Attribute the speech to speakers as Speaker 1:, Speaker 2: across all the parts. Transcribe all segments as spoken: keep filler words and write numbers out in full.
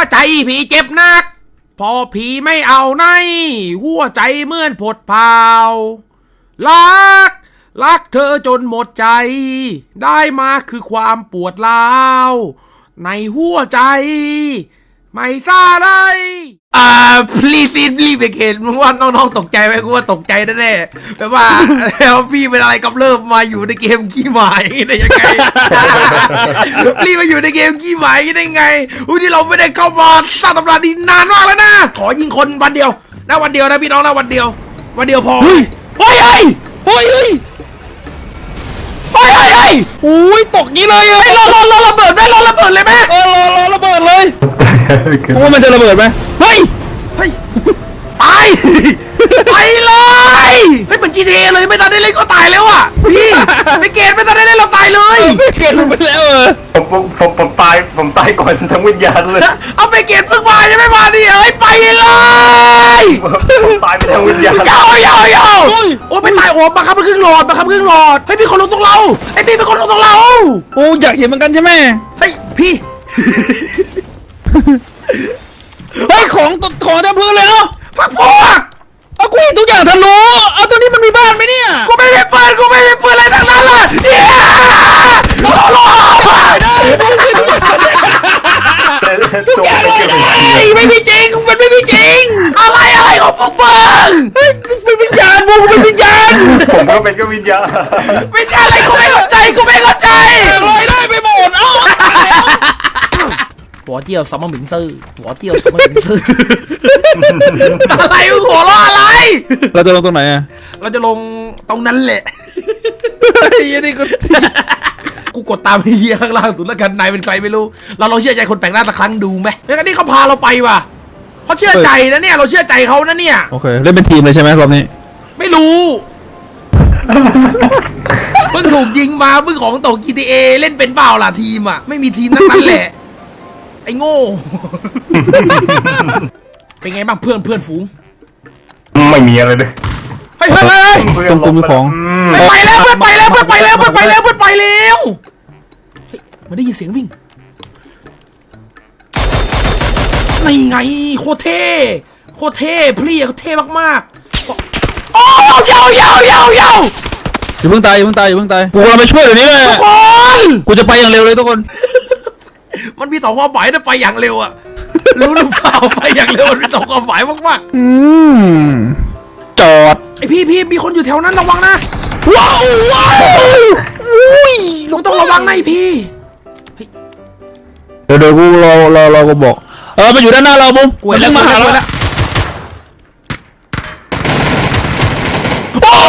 Speaker 1: ใจผีเจ็บนักพอผีไม่เอาในหัวใจเหมือนผดเผารักรักเธอจนหมดใจได้มาคือความปวดร้าวในหัวใจไม่ซาได้อ่า please it please again มึงว่าน้องๆตกใจไหมกูว่าตกใจแน่ๆแบบว่าแล้วพี่เป็นอะไรกับเริ่มมาอยู่ในเกมขี้หมายได้ยังไง พี่มาอยู่ในเกมขี้หมายได้ไงอุ้ยที่เราไม่ได้เข้ามาสร้างตำนานนี้นานมากแล้วนะขอยิงคนวันเดียวนะวันเดียวนะพี่น้องนะวันเดียววันเดียวพอเฮ้ยเฮ้ยเฮ้ยเฮ้ยเฮ้ยเฮ้ยเฮ้ยโอ้ยตกงี้เลยเฮ้ยรอรอรอระเบิดไหมรอระเบิดเลยไหมเออรอรอระเบิดเลย
Speaker 2: เพราะว่ามันจะระเบิดไหม
Speaker 1: เฮ้ยเฮ้ยตายไปเลยเฮ้ยเหมือน จี ที เอ เลยไม่ทันได้เล่นก็ตายแล้วอ่ะพี่ไปเกตไม่ทันได้เล่นเราตายเลย
Speaker 2: ไปเกตลงไปแล้วเออ
Speaker 3: ผมผมผมผมตายผมตายก่อนทั้งวิญญาณเลย
Speaker 1: เอาไปเกตเพิ่งมายังไม่มาดิเอ้ยไปเลย
Speaker 3: ผมตายไปทั้งวิญญาณ
Speaker 1: ยาวยาวยาวโอ้ไปตายโอ้บังคับมันครึ่งหลอดบังคับครึ่งหลอดเฮ้ยพี่คนลงตรงเราไอ้พี่เป็นคนลงตรงเรา
Speaker 2: โอ้อยากเห็นเหมือนกันใช่ไหม
Speaker 1: เฮ้ยพี่
Speaker 2: เฮ้ยของของเต็มพื้นเลยเนาะ
Speaker 1: พักพวก
Speaker 2: เอากูเห็นทุกอย่างทะลุเอาตัวนี้มันมีบ้านไหมเนี่ย
Speaker 1: กูไม่มีปืนกูไม่มีปืนอะไรทั้งนั้นเลยเนี่ยโอ้โห
Speaker 2: ทุกอย่างเลยไม่มีจริงมันไม่มีจริง
Speaker 1: อะไรอะไรของพวกมึง
Speaker 2: เป็นวิญญาณพวกเป็นวิญญาณ
Speaker 3: ผมก็เป็นก็วิญญาณ
Speaker 1: วิญญาณอะไรกูไม่เข้าใจกูไม่เข้าใจ
Speaker 2: ลอยได้ไปหมดเอ้า
Speaker 1: หัวเจียวซัมเมอร์หมิงซื่อหัวเจียวซัมเมอร์หมิงซื่ออะไรหัวเราะอะไร
Speaker 2: เราจะลงตรงไหนอ่ะ
Speaker 1: เราจะลงตรงนั้นแหละ
Speaker 2: ยันนี่กู
Speaker 1: กูกดตามเฮียข้างล่างสุดแล้วกันนายเป็นใครไม่รู้เราลองเชื่อใจคนแปลกหน้าสักครั้งดูไหมแล้วกันนี่เขาพาเราไปว่ะเขาเชื่อใจนะเนี่ยเราเชื่อใจเขานะเนี่ย
Speaker 2: โอเคเล่นเป็นทีมเลยใช่ไหมรอบนี้
Speaker 1: ไม่รู้เพิ่งถูกยิงมาเพิ่งของตก จี ที เอ เล่นเป็นเปล่าล่ะทีมอ่ะไม่มีทีมนั้นแหละไอ้โง่เป็นไงบ้างเพื่อนเพื่อนฝูง
Speaker 3: ไม่มีอะไรเลย
Speaker 1: เฮ้ยเฮ้ยเฮ้ย
Speaker 2: ตรงกลุ่มของ
Speaker 1: ไปแล้วเพื่อนไปแล้วเพื่อนไปแล้วเพื่อนไปแล้วเพื่อนไปแล้วมันได้ยินเสียงวิ่งนี่ไงโคตรเท่โคตรเท่พลี่เขาเท่มากๆโอ้ยาวยาวยาวยาว
Speaker 2: อย่าเพิ่งตายอย่าเพิ่งตายอย่าเพิ่งตายกูเราไปช่วยเดี๋ยวนี้เลย
Speaker 1: ทุกคน
Speaker 2: กูจะไปอย่างเร็วเลยทุกคน
Speaker 1: มันมีสองความหมายนะไปอย่างเร็วอะรู้หรือเปล่าไปอย่างเร็วมันมีสองความหมายมาก
Speaker 2: ๆอืมจอด
Speaker 1: ไอพี่พี่มีคนอยู่แถวนั้นระวังนะว้าวว้าวอุ้ยลุงต้องระวังนะพี่
Speaker 2: เดี๋ยวเดี๋ยวกูรอรอรอกูบอกเออมันอยู่ด้านหน้าเราบุ้ม
Speaker 1: กูเห็นแล้วมาแล้ว
Speaker 2: โอ้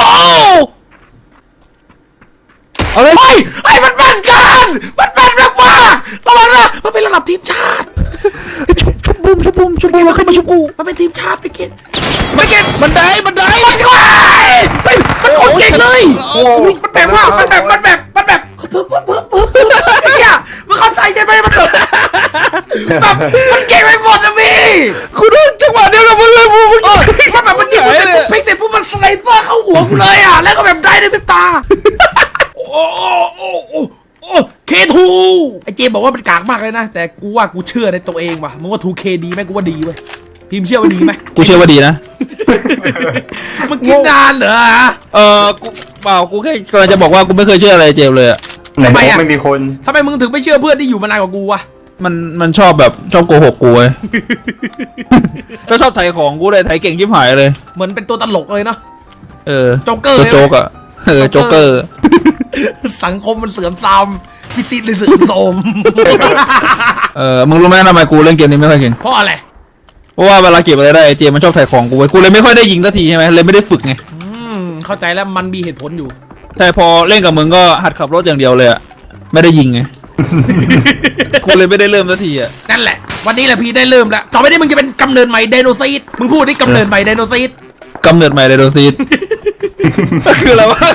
Speaker 1: เอาเลยไอ้มันเป็นกันมันเป็นแบบว่าระวังนะมันเป็นระดับทีมชาติ
Speaker 2: ชุบชุบบุ้มชุบบุ้มชุบบุ้มมาขึ้นมาชุบกู
Speaker 1: มันเป็นทีมชาติไปเก็ตไปเก็ต
Speaker 2: บันไดบันได
Speaker 1: มันก็ไอ้มันโคตรเก่งเลยมันแบบว่ามันแบบมันแบบมันแบบเพิ่มเพิ่มเพิ่มเพิ่มเพิ่มไอ้เหี้ยมึงเข้าใจใช่ไหมมันแบบมันเก่งไปหมดนะพี่
Speaker 2: กูโดนจังหวะเดียวกับมึงเลยมึง
Speaker 1: มันแบบมันยิงมันเป็นพลิกแต่พวกมันสไลเปอร์เข้าหัวกูเลยอ่ะแล้วก็แบบได้ในพริบตาโอ้โอ้โอ้โอ้โอ้เคทูไอเจมบอกว่ามันกากมากเลยนะแต่กูว่ากูเชื่อในตัวเองว่ะมึงว่าทูเคดีไหมกูว่าดีเว้ยพิมเชื่อว่าดีไหม
Speaker 2: กูเชื่อว่าดีนะ
Speaker 1: มึงกินนานเหรอ
Speaker 2: เออกูเปล่ากูแค่กำลังจะบอกว่ากูไม่เคยเชื่ออะไรเจมเลยอะ
Speaker 3: ทำไมอะไม่มีคน
Speaker 1: ทำไมมึงถึงไม่เชื่อเพื่อนที่อยู่มานานกว่ากูวะ
Speaker 2: มันมันชอบแบบชอบโกหกกูเลยก็ชอบไถของกูเลยไถเก่งชิบหายเลย
Speaker 1: เหมือนเป็นตัวตลกเลยเนาะ
Speaker 2: เออ
Speaker 1: โจ๊กเกอร์
Speaker 2: โจ๊กอะเออโจ๊กเกอร์
Speaker 1: สังคมมันเสื่อมทรามพิซิตเลยเสื่อมโทรม
Speaker 2: เออมึงรู้ไหมทำไมกูเล่นเกมนี้ไม่ค่อยเก่ง
Speaker 1: เพราะอะไร
Speaker 2: เพราะว่าเวลาเก็บอะไรได้เจมันชอบถ่ายของกูไว้กูเลยไม่ค่อยได้ยิงสักทีใช่ไหมเลยไม่ได้ฝึกไง
Speaker 1: อืมเข้าใจแล้วมันมีเหตุผลอยู่
Speaker 2: แต่พอเล่นกับมึงก็หัดขับรถอย่างเดียวเลยอะไม่ได้ยิงไงกูเลยไม่ได้เริ่มสักทีอะ
Speaker 1: นั่นแหละวันนี้แหละพี่ได้เริ่มแล้วต่อไปนี้มึงจะเป็นกำเนิดใหม่ไดโนซีดมึงพูดดิกำเนิดใหม่ไดโนซีด
Speaker 2: กำเนิดใหม่ไดโนซีดคืออะไรวะ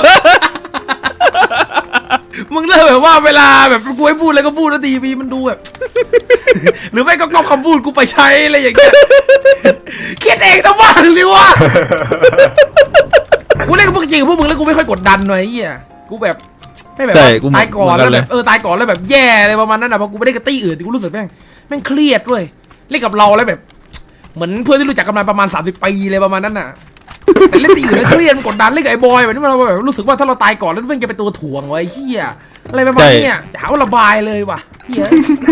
Speaker 1: มึงเลิกแบบว่าเวลาแบบกูให้พูดอะไรก็พูดนะทีวีมันดูแบบหรือไม่ก็ก๊อปคำพูดกูไปใช้อะไรอย่างเงี้ยคิดเองแต่ว่าหรือวะกูเล่นกับพวกจริงกับพวกมึงแล้วกูไม่ค่อยกดดันหน่อยไอ้เหี้ยกูแบบไม่แบบ
Speaker 2: ใช่
Speaker 1: ว่า
Speaker 2: กูเหมือน
Speaker 1: ตายก่อน
Speaker 2: เหมื
Speaker 1: แล้
Speaker 2: อนกัน
Speaker 1: ว
Speaker 2: เล
Speaker 1: แบ
Speaker 2: ย
Speaker 1: บเออตายก่อนแล้วแบบแย่อะไรประมาณนั้นนะเพราะกูไม่ได้กับตี้อื่นกูรู้สึกแม่งแม่งเครียดด้วยเล่นกับเราแล้วแบบ เหมือนเพื่อนที่รู้จักกันมาประมาณสามสิบปีเลยประมาณนั้นน่ะแต่เล่นตีอื่นแล้วเครียดมันกดดันเล่นกับไอ้บอยแบบนี้เราแบบรู้สึกว่าถ้าเราตายก่อนแล้วแม่งจะเป็นตัวถ่วงไว้เฮียอะไรประมาณเนี้ยจะหาว่าระบายเลยว่ะเฮีย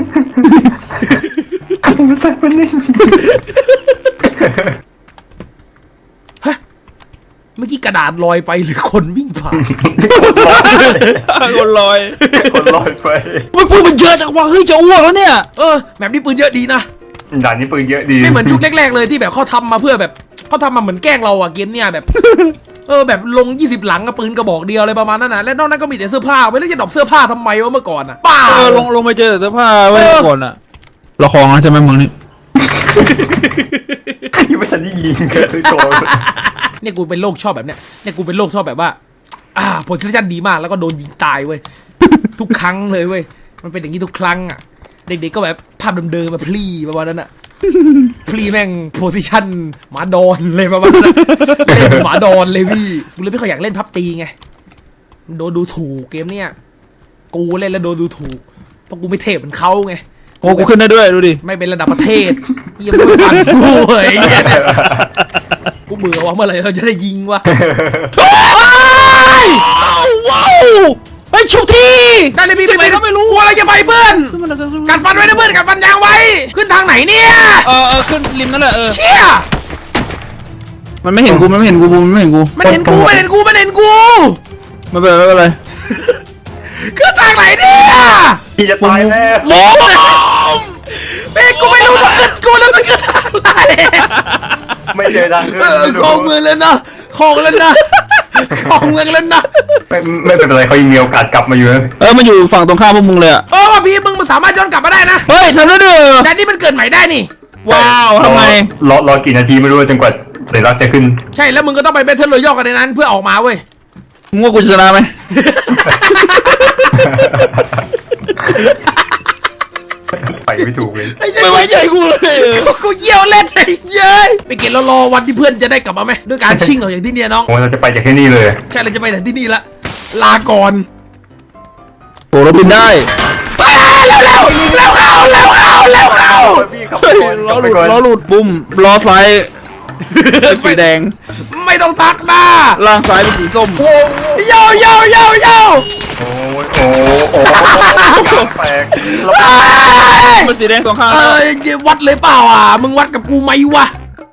Speaker 3: ไม่ใช่มันนี่
Speaker 1: เมื่อกี้กระดาษลอยไปหรือคนวิ่งผ่าน
Speaker 2: คนลอย
Speaker 3: คนลอยไป
Speaker 2: มันพูดมันเยอะจังวะเฮ้ยจะอ้วกแล้วเนี่ย
Speaker 1: เออแบบนี้ปืนเยอะดีนะ
Speaker 3: ด่านนี้ปืนเยอะดี
Speaker 1: ไม่เหมือนยุคแรกๆเลยที่แบบเขาทำมาเพื่อแบบเขาทำมาเหมือนแกล้งเราอะเกมเนี่ยแบบ เออแบบลงยี่สิบหลังกับปืนกระบอกเดียวอะไรประมาณนั้นนะและนอกนั้นก็มีแต่เสื้อผ้าไว้แล้วจะดรอปเสื้อผ้าทำไมวะเมื่อก่อนอะป้า
Speaker 2: เออลงลงไปเจอเสื้อผ้าไว้ก่อนอะละครนะใช่ไหมมึงนี่
Speaker 3: ยังไม่ทันได้ยิงเลยโกรธ
Speaker 1: เนี่ยกูเป็นโรคชอบแบบเนี้ยเนี่ยกูเป็นโรคชอบแบบว่า อ่าโพซิชั่นดีมากแล้วก็โดนยิงตายเว้ย ทุกครั้งเลยเว้ยมันเป็นอย่างนี้ทุกครั้งอ่ะเด็กๆก็แบบภาพเดิมๆมาพลีประมาณนั้นอ่ะ พลีแม่งโพซิชั่นหมาดอนเลยประมาณนั้นอะเล่นเป็นหมาดอนเลยพี่กูเลยไม่ค่อยอยากเล่นพับตีไงโดนดูถูกเกมเนี้ยกูเล่นแล้วโดนดูถูกเพราะกูไม่เทพเหมือนเขาไง
Speaker 2: โอ้กูขึ้นได้ด้วยดูดิ
Speaker 1: ไม่เป็นระดับประเทศยังไม่ฟังกูเฮ้ยกูเบื่อว่าเมื่อไหร่เราจะได้ยิงวะ
Speaker 2: ว้าวไปชุบที
Speaker 1: ได้เลยพี่
Speaker 2: จะไปก็ไม่รู้
Speaker 1: กลัวอะไรจะไปเพื่อนกัดฟันไว้นะเพื่อนกัดฟันยางไว้ขึ้นทางไหนเนี่ย
Speaker 2: เออเออขึ้นริมนั่นแหละเออ
Speaker 1: เชี่ย
Speaker 2: มันไม่เห็นกูมันไม่เห็นกูมันไม่เห็นกู
Speaker 1: มันเห็นกูมันเห็นกูมันเห็นกู
Speaker 2: ไม่เป็นไรไม่เป็นไร
Speaker 1: ขึ้นทางไหนเนี่ย
Speaker 3: พี่จะตายแล้ว
Speaker 2: ล้ม
Speaker 1: เป้กูไม่รู้ว่าขึ้นกูแล้วมันขึ้นทางไหน
Speaker 3: ไม่เจอทางขึ้น
Speaker 1: เออของเมืองแล้วนะของแล้วนะของเมืองแล้วนะ
Speaker 3: ไม่ไม่เป็นไรเขายังมีโอกาสกลับมาอยู่นะ
Speaker 2: เออมันอยู่ฝั่งตรงข้ามพวกมึงเลยอะ
Speaker 1: เออว่าพี่มึงมันสามารถย้อนกลับมาได้นะ
Speaker 2: เฮ้ยทำได้ด้วยเหรอ
Speaker 1: แต่นี่มันเกิดใหม่ได้นี่
Speaker 2: ว้าวทำไม
Speaker 3: รอรอกี่นาทีไม่รู้จนกว่าสัญลักษณ์จะขึ้น
Speaker 1: ใช่แล้วมึงก็ต้องไปเบทเทิลรอยัลกันในนั้นเพื่อออกมาเว้ย
Speaker 2: มึงว่ากูจะชนะไหม
Speaker 3: ไปไม่ถูกเลย
Speaker 1: ไอ้เจ้
Speaker 2: ไม่ไว้ใจกูเลย
Speaker 1: กูกูเยี่ยวเล่นไอ้เย้ยไปเกณฑ์รอๆวันที่เพื่อนจะได้กลับมาไหมด้วยการชิ่งออกอย่างที่เนี่ยน้อง
Speaker 3: โอ้เราจะไปจากที่นี่เลย
Speaker 1: ใช่เราจะไปแต่ที่นี่ละลาก่อน
Speaker 2: โอ้เราบินได้
Speaker 1: ไปเร็วเร็วเร็วเข้าเร็วเข้าเร็วเข้า
Speaker 3: พี่ขับไป
Speaker 2: เฮ้ย
Speaker 3: ก่อน
Speaker 2: ล้อ
Speaker 3: ขับ
Speaker 2: ห
Speaker 3: ไป
Speaker 2: ลุด
Speaker 3: ก่อน
Speaker 2: ล้อหลุดบุ้มล้อซ้ายเป็นสีแดง
Speaker 1: ไม่ต้องทักหน้า
Speaker 2: ล่างซ้ายเป็นสีส้ม
Speaker 1: โยโยโยโย
Speaker 3: โอ้ยโอ้โอ้กลางแตกแล้ว
Speaker 2: เป็นสีแดงสองข้าง
Speaker 1: เออวัดเลยเปล่าอ่ะมึงวัดกับกูไหมวะ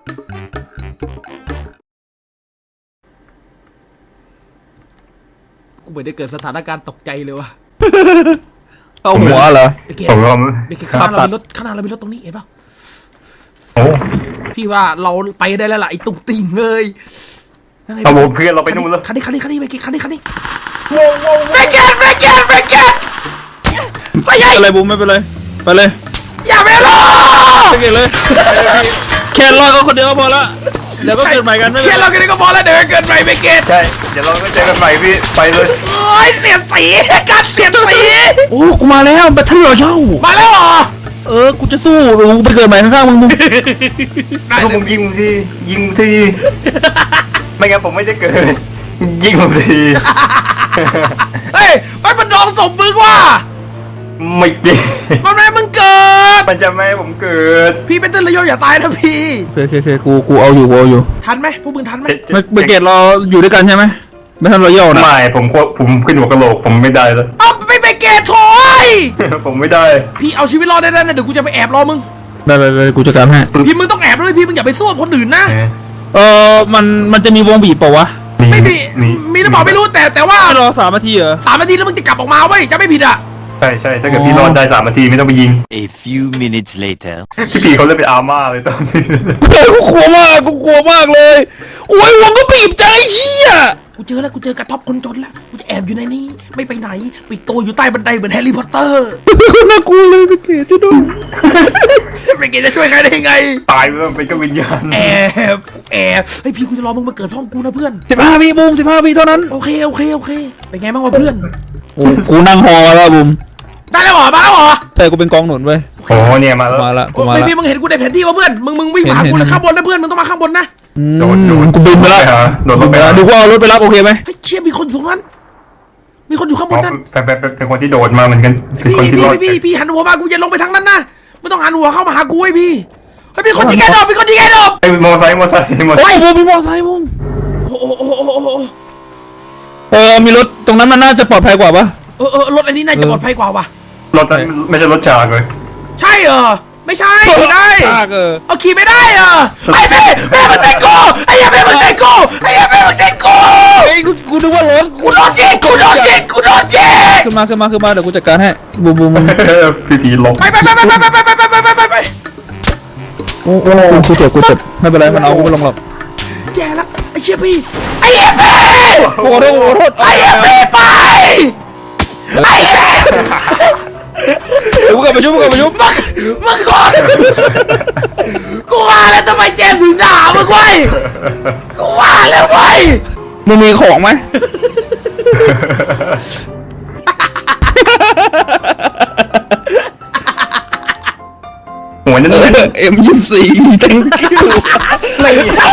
Speaker 1: กูไม่ได้เกิดสถานการณ์ตกใจเลยวะ
Speaker 2: เข้าหัวเหรอ
Speaker 1: ไปเกณ
Speaker 3: ผม
Speaker 1: ฑ์
Speaker 3: ว่า
Speaker 1: ไปเกณฑ์ข้างหน้าเรามีรถข้างหน้าเรามีรถตรงนี้เห็นเปล่า
Speaker 3: โอ้
Speaker 1: พี่ว่าเราไปได้แล้วล่ะไอ้ตุ้งติ่งเลยนั่นไง
Speaker 3: เอาผมเพื่อนเราไปนู่นแล้ว
Speaker 1: คันนี้คันนี้คันนี้ไปเกณฑ์คันนี้คันนี้ไปเกณฑ์ไปเกณฑ์ไปเกณฑ์ไปใหญ่
Speaker 2: อะไรบุ้มไม่เป็นไรไปเลย
Speaker 1: อย่าไปรอ
Speaker 2: ไปเก่งเลยแค่รอดก็คนเดียวก็พอละเดี๋ยวก็เกิดใหม่กันไม่เป็น
Speaker 1: แค่
Speaker 2: ไร
Speaker 1: เราแค่นี้ก็พอแล้วเดี๋ยวเกินไปไปเกณฑ์
Speaker 3: ใช่เดี๋ยวเราก็เจอกันใหม่พี่ไปเลย
Speaker 1: โอ้ยเสียดสีการเสียดสี
Speaker 2: โอ้กูมาแล้วแบทเทิลรอยัล
Speaker 1: มาแล้วเหรอ
Speaker 2: เออกูจะสู้กูไปเกิดใหม่ข้างๆมึงมึง
Speaker 1: ได้
Speaker 3: ถ้า
Speaker 1: เล
Speaker 3: ผม
Speaker 1: ย
Speaker 3: ยิงทียิงทีไม่งั้นผมไม่ได้เกิดยิงผมที
Speaker 1: เฮ้ยมันเป็นรองสมมึงว่ะ
Speaker 3: ไม่จริง
Speaker 1: มันไม่ให้มึงเกิด
Speaker 3: มันจะไม่ให้ผมเกิด
Speaker 1: พี่เป็นต้นระยอย่าตายนะพี่
Speaker 2: โอเคโอเคโอเคกูกูเอาอยู่กูเอาอยู่
Speaker 1: ทันไหมพวกมึงทันไหม
Speaker 2: ไม่ไม่เกตเราอยู่ด้วยกันใช่ไหมแบทเทิลรอยัลนะ
Speaker 3: ไม่ผมก็ผมขึ้นหัวกะโหลกผมไม่ได้แล้ว
Speaker 1: เอาไม่ไปเกตโถย
Speaker 3: ผมไม่ได้
Speaker 1: พี่เอาชีวิตรอดได้แล้วนะเดี๋ยวกูจะไปแอบรอมึง
Speaker 2: ได้ได้ได้กูจัดการให้
Speaker 1: พี่มึงต้องแอบด้วยพี่มึงอย่าไปสู้กับคนอื่นนะ
Speaker 2: เออมันมันจะมีวงบีบเปล่าวะ
Speaker 1: ไม่มีมีหรือเปล่าไม่รู้แต่แต่ว่า
Speaker 2: ให้รอสามนาทีเหรอ
Speaker 1: สามนาทีแล้วมึงจะกลับออกมาเว้ยจะไม่ผิดอ่ะ
Speaker 3: ใช่ใช่ถ้าเกิดพี่รอดได้สามนาทีไม่ต้องไปยิง
Speaker 4: A few minutes later.
Speaker 3: พี่ปีเขาเล่นเป็นอาร์ม่าเลยตอนนี้
Speaker 2: เฮ้ยกูกลัวมากกูกลัวมากเลยโอ้ยวงก็บีบจังไอ้เหี้ย
Speaker 1: กูเจอแล้วกูเจอกระท็อปคนจนแล้วกูจะแอบอยู่ในนี้ไม่ไปไหนปิดตัวอยู่ใต้บันไดเหมือนแฮร์รี่พอตเตอร์
Speaker 2: น่ากลัวเลยไปเกตจะโดน
Speaker 1: ไปเกตจะช่วยใครได้ไง
Speaker 3: ตายไปแล้วเป็นก็วิญญาณ
Speaker 1: แอบแอบเฮ้ยพี่กูจะรอมึงมาเกิดพร้อมกูนะเพื่อน
Speaker 2: สิบห้าวิบูมสิบห้าวิเท่านั้น
Speaker 1: โอเคโอเคโอเคเป็นไงบ้างวะเพื่อน
Speaker 2: โอ้กูนั่งฮอมาแล้วบูม
Speaker 1: ได้แล้วเหรอมาแล้วเหรอ
Speaker 2: ใช่กูเป็นกองหนุนเว้ย
Speaker 3: โอ้เนี่ยมาแล้ว
Speaker 2: มาละกู
Speaker 1: โอ้
Speaker 2: มาย ละ
Speaker 1: พี่มึงเห็นกูในแผนที่วะเพื่อนมึงมึงวิ่งมาหา
Speaker 2: เห็น
Speaker 1: กู
Speaker 2: เห็น
Speaker 1: เลยข้างบนนะเพื่อนมึงต้องมาข้างบนนะ
Speaker 2: อืม
Speaker 3: โดนโดน
Speaker 2: กูบินไปแล้ว
Speaker 3: โดนรถไป
Speaker 2: เดี๋
Speaker 3: แล้ว
Speaker 2: ยวกูเอารถไปรับโอเคไหม
Speaker 1: เฮ้ยเชี่ยมีคนอยู่ตรงนั้นมีคนอยู่ข้างบ
Speaker 3: อ๋อน
Speaker 1: นั่น
Speaker 3: เป็นเป็นเป็นเป็นคนที่โดดมาเหมือนกันเป็น
Speaker 1: พี่
Speaker 3: คนที่
Speaker 1: พี่
Speaker 3: รอด
Speaker 1: พี่พี่หันหัวมากูจะลงไปทางนั้นนะไม่ต้องหันหัวเข้ามาหากูไอ้พี่เฮ้ยมีคนยิงแกดอบมีคนยิงแกดอบ
Speaker 3: ไอ้มอไซค์มอไซค์มอไซ
Speaker 2: โอ้ย
Speaker 3: ค์
Speaker 2: บูมมีมอไซค์บูม
Speaker 1: โอ้โหโอ้โหโอ้โหโอ้โห
Speaker 2: เออมีรถตรงนั้นมันน่าจะปลอดภัยกว่าปะ
Speaker 1: เออเออรถอันนี้น่าจะปลอดภัยกว่าว่ะ
Speaker 3: รถนั้นไม่ใช่รถฉากเลย
Speaker 1: ใช่เหรอไม่ใช่ขี่ได้
Speaker 2: ซากเออ
Speaker 1: เอาขี่ไม่ได้เหรอไอ้พี่แม่มันเตะกูไอ้เหี้ยแม่มันเตะกูไอ้เหี้ยแม่มันเตะกู
Speaker 2: เฮ้ยกูกูนึกว่ารถ
Speaker 1: กูโดนยิงกูโดนยิงกูโดนยิง
Speaker 2: ขึ้นมาขึ้นมาขึ้นมาเดี๋ยวกูจัดการให้บูมบูมบูม
Speaker 3: พี่ผีหลบ
Speaker 1: ไปไปไปไปไปไปไปไปไปไปไป
Speaker 2: โอ้โหกูเจ็บกูเจ็บไม่เป็นไรมันเอากูไม่ลงหรอก
Speaker 1: แย่ละไอ้เชี่ยพี่ไอ้เหี้ยพี่
Speaker 2: โอ้โหโอ้โหโทษ
Speaker 1: ไอ้เหี้ยพี่ไปไอ้เหี้ย
Speaker 2: เดี๋ยวกูกลับไปชุบกูกลับไปชุบ
Speaker 1: มึงมึงก่อนกูว่าแล้วทำไมเจมส์ถึงด่ามึงไว้กูว่าแล้วไว้ย
Speaker 2: มึงมีของไหม
Speaker 3: หัวนั่นเลย
Speaker 2: เอ็มยี่สี่ thank you
Speaker 3: ไม่มี